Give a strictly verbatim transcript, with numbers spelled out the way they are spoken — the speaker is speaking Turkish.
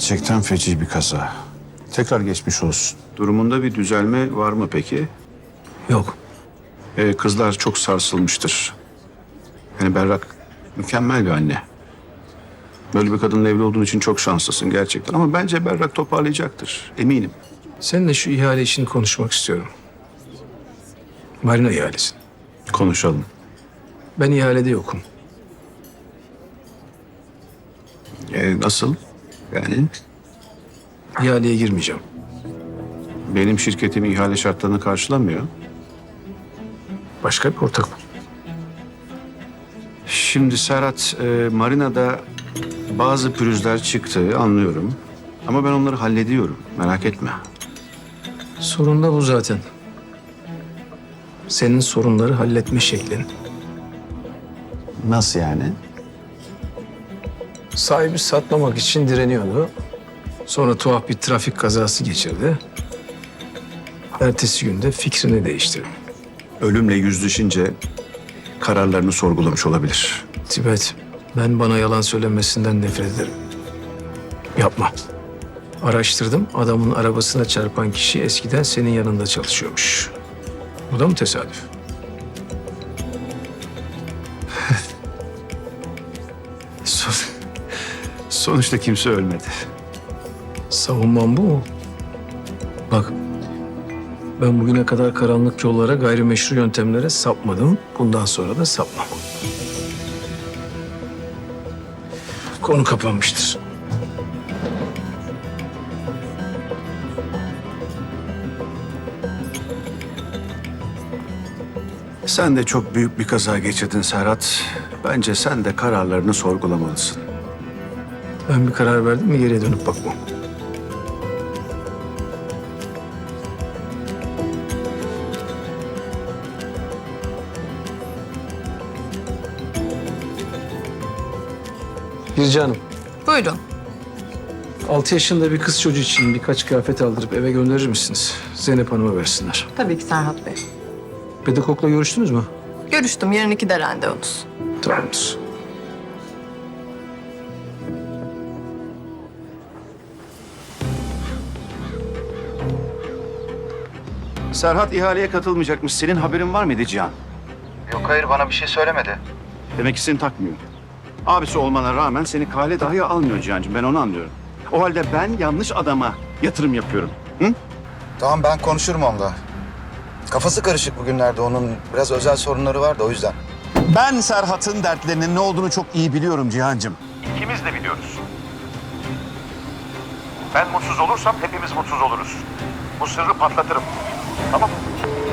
Gerçekten feci bir kaza. Tekrar geçmiş olsun. Durumunda bir düzelme var mı peki? Yok. Ee, kızlar çok sarsılmıştır. Yani Berrak mükemmel bir anne. Böyle bir kadınla evli olduğun için çok şanslısın gerçekten. Ama bence Berrak toparlayacaktır. Eminim. Seninle şu ihale işini konuşmak istiyorum. Marina ihalesi. Konuşalım. Ben ihalede yokum. Ee, nasıl? Yani İhaleye girmeyeceğim. benim şirketim ihale şartlarını karşılamıyor. Başka bir ortak bul. Şimdi Serhat, e, Marina'da bazı pürüzler çıktı anlıyorum. Ama ben onları hallediyorum. Merak etme. Sorun da bu zaten. Senin sorunları halletme şeklin. Nasıl yani? Sahibi satmamak için direniyordu. Sonra tuhaf bir trafik kazası geçirdi. Ertesi günde fikrini değiştirdi. Ölümle yüzleşince kararlarını sorgulamış olabilir. Tibet, ben bana yalan söylemesinden nefret ederim. Yapma. Araştırdım, adamın arabasına çarpan kişi eskiden senin yanında çalışıyormuş. Bu da mı tesadüf? Son- Sonuçta kimse ölmedi. Savunmam bu mu? Bak, ben bugüne kadar karanlık yollara, gayrimeşru yöntemlere sapmadım. Bundan sonra da sapmam. Konu kapanmıştır. Sen de çok büyük bir kaza geçirdin Serhat. Bence sen de kararlarını sorgulamalısın. Ben bir karar verdim mi geriye dönüp bakmam. Birce Hanım, Buyurun. altı yaşında bir kız çocuğu için birkaç kıyafet aldırıp eve gönderir misiniz? Zeynep Hanım'a versinler. Tabii ki Serhat Bey. Pedagogla görüştünüz mü? Görüştüm. Yarın ikide randevunuz. Tamamdır. Serhat ihaleye katılmayacakmış. Senin haberin var mıydı Cihan? Yok hayır bana bir şey söylemedi. Demek ki seni takmıyor. Abisi olmana rağmen seni kale dahi almıyor Cihan'cığım. Ben onu anlıyorum. O halde ben yanlış adama yatırım yapıyorum. Hı? Tamam ben konuşurum onunla. Kafası karışık bugünlerde onun biraz özel sorunları var da o yüzden. Ben Serhat'ın dertlerinin ne olduğunu çok iyi biliyorum Cihan'cığım. İkimiz de biliyoruz. Ben mutsuz olursam hepimiz mutsuz oluruz. Bu sırrı patlatırım. Tamam mı?